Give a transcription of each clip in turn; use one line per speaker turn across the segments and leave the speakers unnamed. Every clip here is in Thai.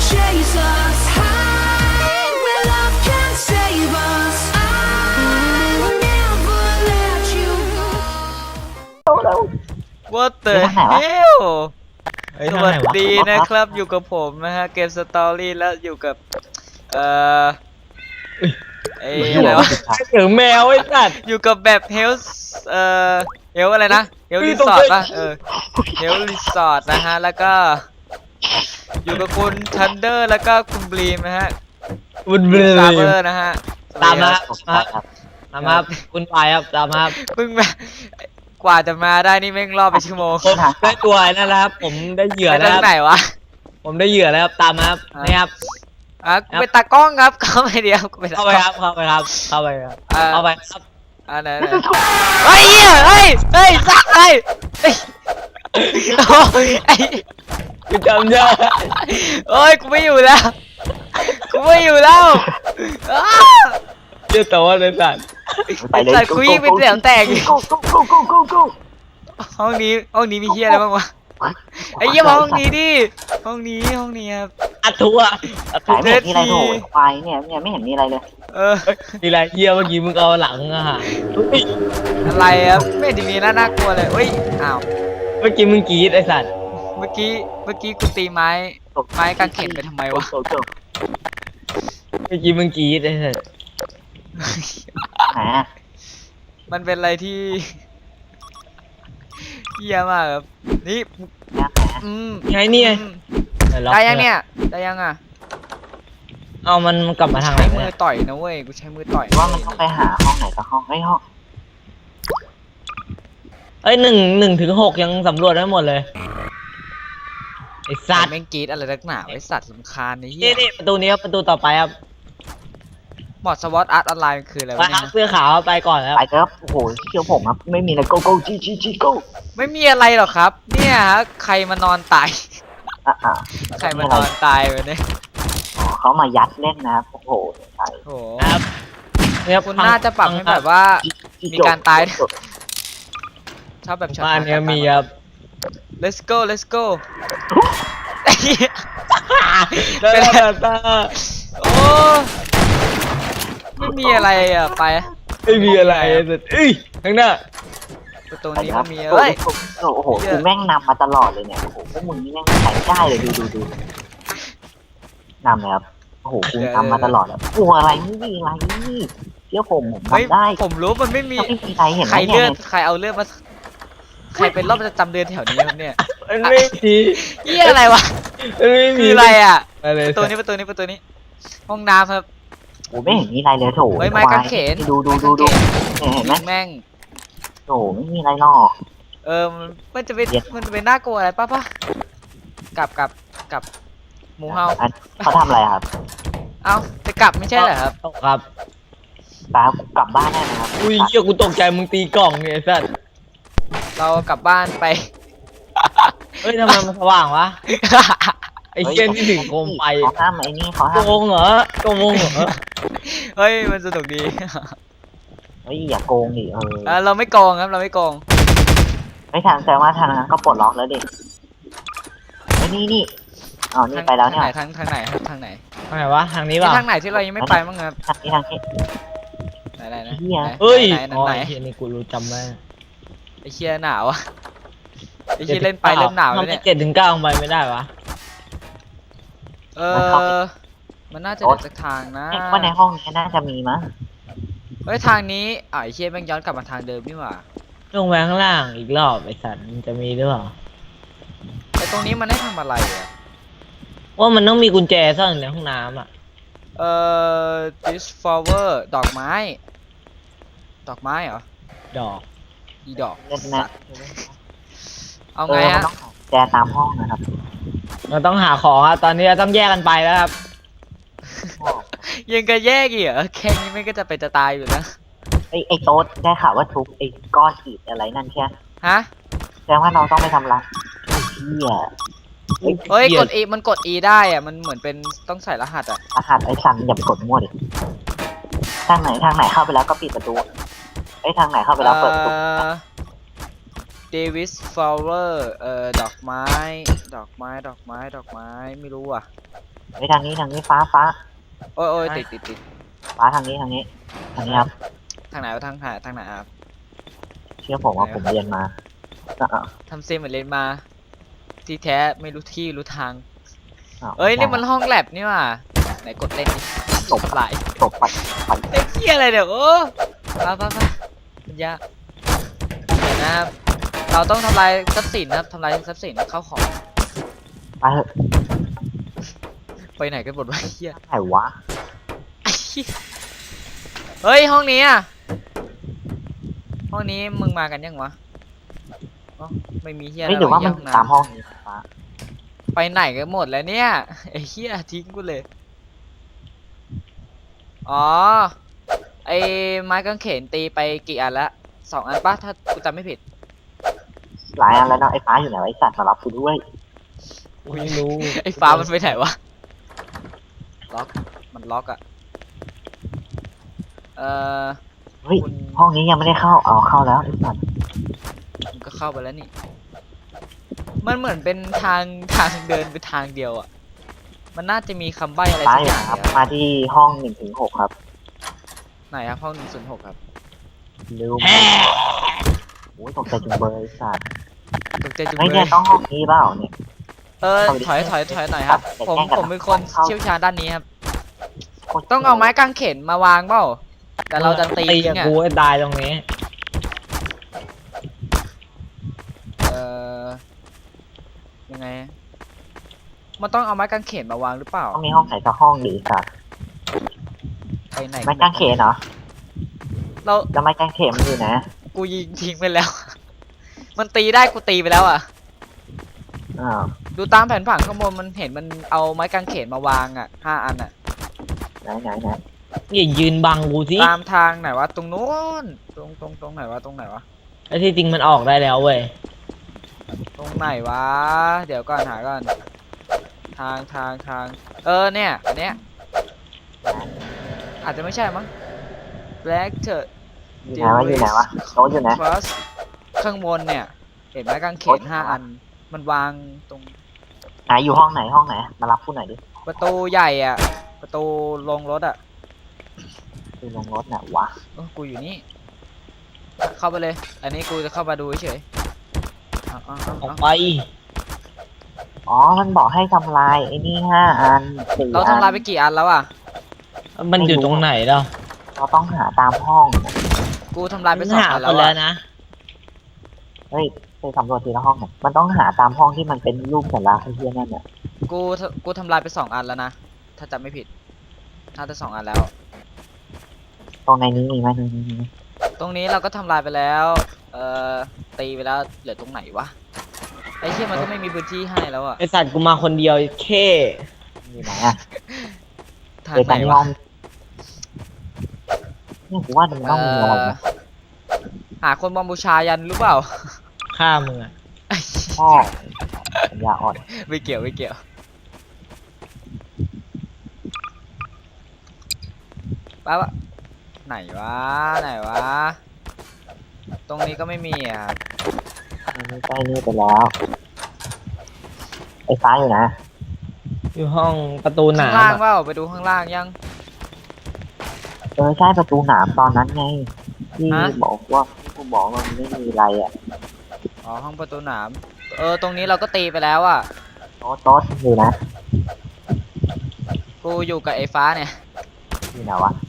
chase us high where love can save us. I will never let you go.
What the hell สวัสดีนะครับอยู่กับผมนะฮะเกมสตอรี่แล้วอยู่กับอะไรวะ
เสียงแมวไอ้สัตว์
อยู่กับแบบเฮลเฮลอะไรนะเฮลรีสอร์ทป่ะเฮลรีสอร์ทนะฮะแล้วก็อยู่กับคุณทันเดอร์แล้วก็คุณบลีมนะฮะ
บุญเบล
ซาเบอร์นะฮะ
ตามมาตามมาคุณปายครับตามมา
เพิ่งมากว่าจะมาได้นี่แม่งรอบไปชั่วโมง
ผมได้ตัวนั่นแล้วครับผมได้เหยื่อ
ไป
แล้ว
ทางไหนวะ
ผมได้เหยื่อแล้วครับตามมาครับนี่ครับ
กูเป็นตากล้องครับเข้าไปเดียวกูเป็นตา
เข้าก
ล้
ไป
อง
ครับเข้าไปครับเข้าไปครับเข้าไปครับ
ไหนเฮ้ยเฮ้ยสักเลยโอ้ย
กูจำได้
โอ้ยกูไม่อยู่แล้วกูไม่อยู่แล้ว
เจ้าตัวไอ้สัตว์
ไอ้สัตว์คุยเป็นเสียงแตกห้องนี้มีเฮียอะไรบ้างวะไอ้เหี้ยมาห้องนี้ดิห้องนี้ครับ
อัดทัวร์
ไหนไม่เห็นมีอะไรโถควายเนี่ยไม่เห็นมีอะไรเลย
มีอะไรเหี้ยเมื่อกี้มึงเอาหลังอะฮะ
อะไรครับไม่ได้มีน่ากลัวเลยเฮ้ยอ้าว
เมื่อกี้มึงกรี๊ดไอ้สัตว์
เมื่อกี้กูตีไม้กางเขนไปทำไมวะ
เมื่อกี้มึงกรี๊ดไอ้สัตว์
ไหน
มันเป็นอะไรที่เหี้ยมากครับนี่
ไงเนี่ย
ได้ยังเนี่ยได้ยังอ่ะ
เอามันกลับมาทางไหน
ใช้มื
เนี่
อย ต่อยนะเว้ยกูใช้มือต่อย
ว่ามันต้องไปหาห้องไหนสักห้องไอ้ห้อง
เอ้ย1 ถึง 6ยังสำรวจได้หมดเลยไอ้สัตว์
แม่งกรีดอะไรนักหนาไอ้สัตว์สำคัญไอ้เหี้
นี่
ย
นี่ประตูนี้ครับประตูต่อไปครับ
หมอดสวอตอาร์ตออนไลน์คืออะไร
ไป
วะ
ครั
เนี่
บ
ย
เสื้อขาวไปก่อนแล้ว
ไปเถอะโอ้โหเชื่อผมครับไม่มีอะไรโกโก้จีโก้
ไม่มีอะไรหรอกครับเนี่ยฮะใครมานอนตายใครมานอนตายไปเนี่ย
เขามายัดเล่นนะครับโอ้โห
โอ้
ครับเนี่ย
คุณน่าจะปรับให้แบบว่ามีการตายชอบแบบช็อต
บ้านเนี้ยมีครับ
let's go
เป็น
โอ้ไม่มีอะไรอ่ะไป
ไม่มีอะไรแต่เอ้ยข้างหน้า
ประตูนี้มันมีอะไร
โอ้โหกูแม่งนำมาตลอดเลยเนี่ยโอ้โหพวกมึงนี่แม่งใส่ได้เลยดูนำเลยครับโอ้โหกูทำมาตลอดแล้วกลัวอะไรไม่มีอะไรนี่เชื่อผมทำได้
ผมรู้มันไม่มี
ไม่มีใครเห็น
ใครเลือดใครเอาเลือดมาใครเป็นรอบประจำเดือนแถวนี้ครับเนี่ย
มันไม่มี
เหี้ยอะไรวะ
มันไม่มี
คืออะไรอ่ะ
อะไร
ประตูนี้ห้องน้ำครับ
โอ้ไม่เห็นมีอะไรเลยโถ
เฮ้ยไม้กางเขน
ดูเห็นไหม
แม่ง
โถไม่มีอะไรหรอก
มันจะเป็นน่ากลัวอะไรป่ะกับหมูเฮา
เขาทำอะไรครับ
เอ้าจะกลับไม่ใช่เหรอครับ
ครับ
ตากลับบ้านได้ไหมครับ
อุ้ยเหี้ยกูตกใจมึงตีกล่องเนี่ยไอ้สัส
เรากลับบ้านไป
เฮ้ยทำไมมันสว่างวะไอ้เชี่ยนี่ถึงโคมไฟ
เขาห้ามไอ้นี่เขาห้าม
โกงเหรอโกงเหรอ
เฮ้ยมันสนุกดี
เฮ้ยอย่าโกงดิ
เราไม่โกงครับเราไม่โกง
ไม่ทางแต่ว่าทางนั้นก็ปลดล็อกแล้วดิไอ้นี่อ๋อนี่ไปแล้วเนี่ย
ทางไหน
ทางไหนวะทางนี้ป่ะ
ทางไหนที่เรายังไม่ไปมั้งครับ
ทางนี้
ไหนนะ
เฮ้ย
ไหน
อ๋อไอ้เชี่ยนี่กูรู้จำได้
ไอ้เชี่ยหนาวอะไอ้เชี่ยเล่นไปเริ่มหนาวแล้ว
ทำไม
เนี่ย
7 ถึง 9ไปไม่ได้วะ
มันน่าจะเดินสักทางนะ
ว่าในห้องนี้น่าจะมีมั้ง
เฮ้ยทางนี้ไอ้เชี่ยแม่งย้อนกลับมาทางเดิมนี่หว่า
ลงไปข้างล่างอีกรอบไอ้สัตว์มันจะมีหรือเปล่า
ไอ้ตรงนี้มันให้ทำอะไรอะ
ว่ามันต้องมีกุญแจซ่อนอยู่ในห้องน้ำอ่ะ
this flower ดอกไม้เหรอ
ดอก
อีดอก
เล่นนะ
เอาไงฮะ
ต้องแจตามห้องนะครับ
เราต้องหาของครับตอนนี้เราต้องแยกกันไปแล้วครับ
ยังกระแยกอีกเหรอแค่นี้ไม่ก็จะไปจะตายอยู่แล้ว
ไอ้โต๊ดได้ข่าวว่าทุบไอ้ก้อนอิฐอะไรนั่นใช่
ฮะ
แสดงว่าเราต้องไปทำรังเชี่ย
เฮ้ยกด E มันกด E ได้อะมันเหมือนเป็นต้องใส่รหัสอะ
รหัสไอ้สันอย่าไปกดมั่วดิทางไหนเข้าไปแล้วก็ปิดประตูไอ้ทางไหนเข้าไปแล้วเปิดประตู
Davis flower ดอกไม้ไม่รู้อ่ะ
ไปทางนี้ฟ้า
โอ้ยโอ้ยติด
ฟ้าทางนี้ครับ
ทางไหนวะทางไหนครับ
เชื่อผมว่าผมเรียนมาอ่ะ
ทำเซมเหมือนเล่นมา ที่แท้ไม่รู้ที่รู้ทาง
อ่ะ
เอ้ยนี่มันห้องแลบนี่ว่ะไหนกดเล่นดิ
ตบ
ทำลาย
ตบไป
ไอ้เหี้ยอะไรเดี๋ยวโอ้ไปปัญญาเดี๋ยวนะครับเราต้องทำลายทรัพย์สินนะครับทำลายทรัพย์สินเข้าของ
ไปเถอะ
ไปไหนกันหมดวะไอ้เหี้ย
ไหนวะ
ไอ้เหี้ยเฮ้ยห้องนี้อ่ะห้องนี้มึงมากันยังวะอ๋อไม่มีเหี้ย
ไม่หรือว่ามัน
ห้ง
ตามห้องนี้ฟ้า
ไปไหนกันหมดแล้วเนี่ยไอ้เหี้ยทิ้งกูเลยอ๋อไอ้ไม้กางเขนตีไปกี่อันละ2 อันปะถ้ากูจำไม่ผิด
หลายอันแล้วเนาะไอ้ฟ้าอยู่ไหนวะไอ้สัตว์มารับกูด้วย
ไม่รู้
ไอ้ฟ้ามันไปไหนวะล็อกมันล็อกอะเออ
เฮ้ย
คุณ
ห้องนี้ยังไม่ได้เข้าเอาเข้าแล้วไอ้สัตว์
มันก็เข้าไปแล้วนี่ มันเหมือนเป็นทางเดินไปทางเดียวอะมันน่าจะมีคำใบ้อะไร
ฟ้า
สัก
อ
อยู่ ย่าง
นะครับ
เนี่ย
มาที่ห้อง1-6ครับ
ไหนครับห้อง106ครับ
ลืมโอ้ยตกใจจุงเบยไอ้สัตว์
ตกใจจุง
เฮ้ย
เล
เนี่ย
ย
ต้องห้องนี้เปล่าเนี่ย
ถอยหน่อยครับ
แต่
ผม
แกล้งกัน
ผมเป็นคน
เข้า
เชี่ยวชาญด้านนี้ครับ ต้องเอาไม้กางเขนมาวางเปล่าแต่เราจะตี
กับ
เนี่ย
กูให้ตายตรงนี้
เออยังไง มันต้องเอาไม้กางเขนมาวางหรือเปล่า
ต้องมีห้องไหนสักห้องดีสัตว์
ไปไหน
ไม้กางเขนเหรอ
เรา
แล้วไม้กางเขนมันอยู่ไหน
กูยิงทิ้งไปแล้ว มันตีได้กูตีไปแล้วอ่ะ
อ้าว
ดูตามแผนผังข้างบนมันเห็นมันเอาไม้กางเขนมาวางอ่ะ5 อันอ่ะ
ไหน
อย่ายืนบังกูสิ
ตามทางไหนวะตรงนู้นตรงไหนวะตรงไหนวะ
ไอ้ที่จริงมันออกได้แล้วเว้ย
ตรงไหนวะ เดี๋ยวก่อนหาก่อนทางเนี่ยอันเนี้ยอาจจะไม่ใช่มั้ง Black เถอะ
อยู่ไหนวะโต๊ะอยู่ไหน
First ข้างบนเนี่ย เห็นไม้กางเขน5 อัน มันวางตรง
ไหนอยู่ห้องไหนมารับกูหน่อยดิ
ประตูใหญ่อ่ะ ประตูลงรถอ่ะ
คือลงรถน่ะวะ
กูอยู่นี่ เข้าไปเลย อันนี้กูจะเข้ามาดูเฉยๆเอา
ออกไป
อ๋อมันบอกให้ทำลายไอ้นี่5 อัน4
เราทำลายไปกี่อันแล้วอ่ะ
มันอยู่ตรงไหนเนาะ
เราต้องหาตามห้อง
กูทำลายไป2
หา
อัน
ไป
แล้ว
แล้ว
อ่ะ
นะ
เฮ้ยไปสำรวจทีละห้องหน่อยมันต้องหาตามห้องที่มันเป็นรูปสัญลักษณ์ไอ้เหี้ยนั่นน่ะ
กูทำลายไป2 อันแล้วนะ ถ้าจำไม่ผิดน่าจะ2 อันแล้ว
ตรงในนี้มีไหมนี่
ตรงนี้เราก็ทำลายไปแล้ว ตีไปแล้ว เหลือตรงไหนวะ ไอ้เชี่ยมันก็ไม่มีพื้นที่ให้แล้วอ่ะ
ไอสัตว์กูมาคนเดียวแค่
อยู่ไหนอ่ะ
ทาง
เดี๋ยว
ไหน
กัน
วะ
ห้องเนี่ยกูว่ามันต้องมีอะไรนะ
หาคนบอมบูชายันหรือเปล่า
ฆ่ามึงอะ
พ่อปัญญาอ่อน
ไม่เกี่ยวป้าวะไหนวะ ตรงนี้ก็ไม่มีอ่ะ
อันนี้ใกล้นี่ไปแล้วไอ้ฟ้าอยู่นะ
อยู่ห้องประตูห
ข้าน
าง
ล่าง
มอะ
เปล่าไปดูข้างล่างยัง
ใช่ประตูหนามตอนนั้นไงที่
ฮะ
บอกว่าที่กูบอกว่ามันไม่มีอะไรอ่ะ
อ๋อห้องประตูหนาม ตรงนี้เราก็ตีไปแล้วอ่ะ
โต๊ะอยู่นะ
กูอยู่กับไอ้ฟ้าเนี่ย
อยู่ไหนวะ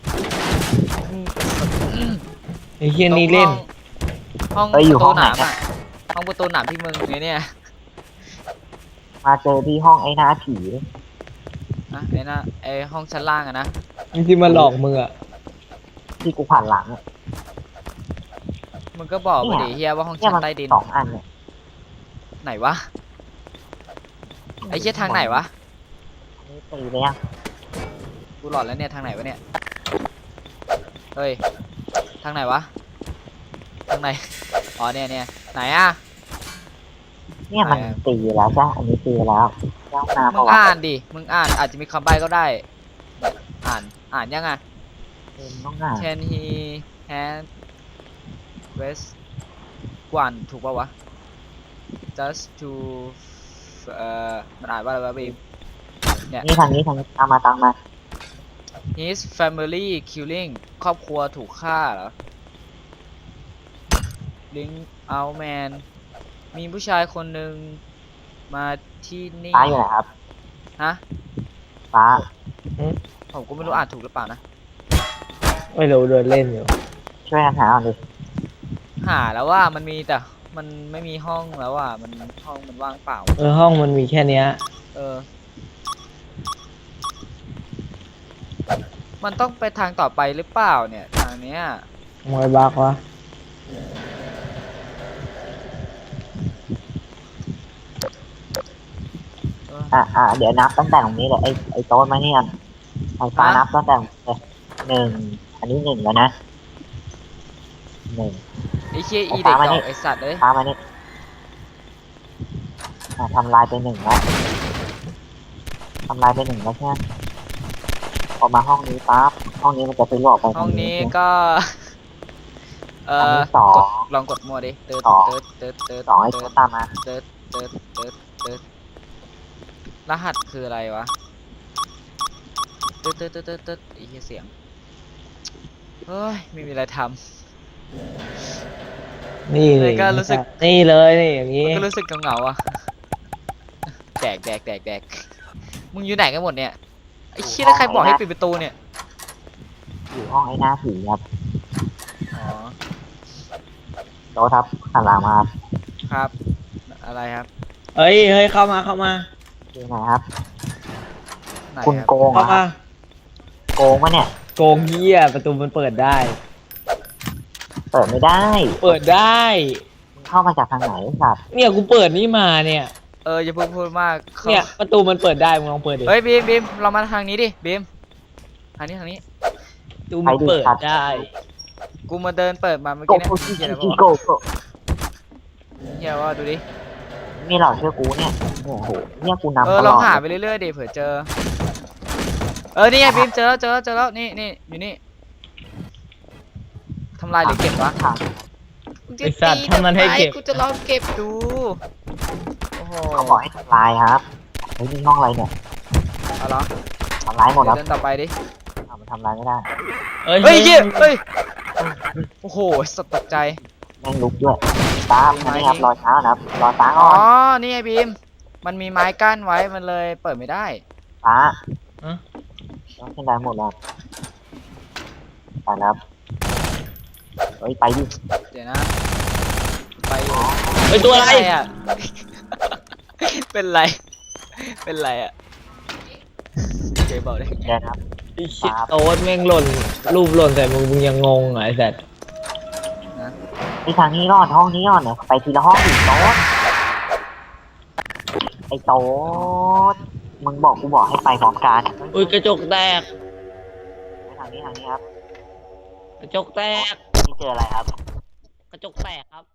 ไอ้เฮียนี่เล่น
ห้อง
เอ้ยอยู่
ประ
ห้
ตู
อง
ห
ไหน
นาม
อะ
อ่ะ ห้องประตูหนามที่มึงเนี่ย
มาเจอที่ห้องไอ้หน้าผี
นะไอ้ห้องชั้นล่างอะนะ
ที่มาหลอกมึงอะ
ที่กูผ่านหลังอะ
มึงก็บอกไป
เนี่ย
ดิเฮียว่าห้อง
เนี่ย
ชั้น
มัน
ใต้ดิน
2 อันเนี่ย
ไหนวะ ไอ้เชี่ยทางไหนวะ
อันนี้ตีไปยัง
กูหลอดแล้วเนี่ยทางไหนวะเนี่ย เฮ้ย ทางไหนวะ ทางไหน อ๋อเนี่ยไหนอ่ะ
เนี่ยมัน
ไหนอะ
ตีแล้วจ้ะอันนี้ตีแล้วย่างน้ำ
มึ
ปะ
ง
วะ
อ่านดิ มึงอ่านอาจจะมีคำใบ้ก็ได้ อ่านยังอ่ะ
ต้องอ่าน
Can he hand west กวนถูกป่าวะ just to มันอ่านว่าอะไรวะบีมเนี่ย
นี่ทางนี้ตามมา
his family killing ครอบครัวถูกฆ่าเหรอ link out man มีผู้ชายคนหนึ่งมาที่นี่
ฟ้าอยู่ไหนครับ
ฮะ
ฟ้า
ผมก็ไม่รู้อ่านถูกหรือเปล่านะ
ไม่รู้เดินเล่นอยู่
ช่วยกันหาก่อนดิ
หาแล้วว่ามันมีแต่มันไม่มีห้องแล้วอ่ะมันห้องมันว่างเปล่า
ห้องมันมีแค่เนี้ย
เออ มันต้องไปทางต่อไปหรือเปล่าเนี่ยทางเนี้ย
มวยบักวะ
เดี๋ยวนับตั้งแต่ตรงนี้เลยไอ้โต๊ะมาเนี่ยไอ้ฟ้านับตั้งแต่หนึ่งอันนี้หนึ่งแล้วนะหนึ่ง
ไอ้เชี่ยอีเด็กดอกไอสัตว์เลย
ฟ้ามานี่ทำลายไปหนึ่งแล้วทำลายไปหนึ่งแล้วใช่ไหมพอมาห้องนี้ปั๊บห้องนี้มันจะไปหลอกไป
ห้องนี้ก็
อันนี้สอง
กดลองกดมั่วดิเติร์ด
สอง
เติร์ดเติร์ด
สองไอ้โต๊ะตามมา
เติร์ดเติร์ดเติร์ดเติร์ดรหัสคืออะไรวะเติร์ดเติร์ดเติร์ดเติร์ดเติร์ดไอ้เหี้ยเสียงเฮ้ยไม่มีอะไรท
นี่
เลยก็รู้สึก
นี่เลยนี่อย่าง
ำ
งี้
มันก็รู้สึกเหงาๆอ่ะแดกมึงอยู่ไหนกันหมดเนี่ยไอ้เชี่ยแล้วใครบอกให้ปิดประตูเนี่ย
อยู่ห้องไอ้หน้าผีครับ
อ๋อ
โต๊ะครับหันหลังมาครับ
ครับอะไรครับ
เฮ้ยเข้ามา
อยู่ไหนครับ
ไหน
คุณ
ครับ
โกง
เข้า
ครั
มา
บโกงวะเนี่ย
โกงเหี้ยประตูมันเปิดได้
เปิดไม่ได้
เปิดได้
มึงเข้ามาจากทางไหนไอ้สัตว์
เนี่ยกูเปิดนี่มาเนี่ย
อย่าเพิ่งพูดมากเขา
เนี่ยประตูมันเปิดได้มึงลองเปิดดิ
เฮ้ยบีมเรามาทางนี้ดิบีมทางนี้
ประตูมันเปิดได้
กูมาเดินเปิดมาเมื่อ
โก
กี้เนี่ย
โก
เฮียอะไร
โก
วะ
โก
เฮียว่าดูดิ
นี่เราเชื่อกูเนี่ยโอ้โหเนี่ยกูนำต
ล
ล
อง
อด
หาไปเรื่อยๆดิเผื่อเจอนี่ไงบีมเจอแล้วนี่อยู่นี่ทำลายหรือเก็บวะ
ทาง
มึงจะ
ไอ้สัตว์
ตี
ทำมันให้เก็บ
กูจะลองเก็บดูโอ้โห
เขาบอกให้ทำลายครับเฮ้ยนี่ห้องอะไรเนี่ย
เอาเหรอ
ทำลายหมดแล้ว
เดินต่อไปดิ
มันทำลายไม่ได้
เฮ้ยเหี้ยเฮ้ยโอ้โหสดตกใจ
แม่งลุกด้วยตามอันนี้ครับรอเช้านะครับรอฟ้า
อ๋
ก่
อ
อน
นี่ไงบีมมันมีไม้กั้นไว้มันเลยเปิดไม่ได้
ฟ้า
ฮะ
ต้องขึ้นได้หมดแล้วไปแล้วเฮ้ยไปดิ
เดี๋ยวนะไปอยู่
เฮ้ยตัวอะไร
อ่ะ เป็นไรอ่ะเจ๊บอกได้
เดินครับ
ไอ้ชิตโต๊ดแม่งหล่นรูปหล่นใส่มึงยังงงเหรอไอ้สัตว์
ที่ทางนี้รอดห้องนี้รอดเนี่ยไปทีละห้องอีกโต๊ะไอ้โต๊ะมึงบอกกูบอกให้ไปพร้อมกัน
อุ้ยกระจกแตก
ทางนี้ครับ
กระจกแตก
นี่เจออะไรครับ
กระจกแตกครับ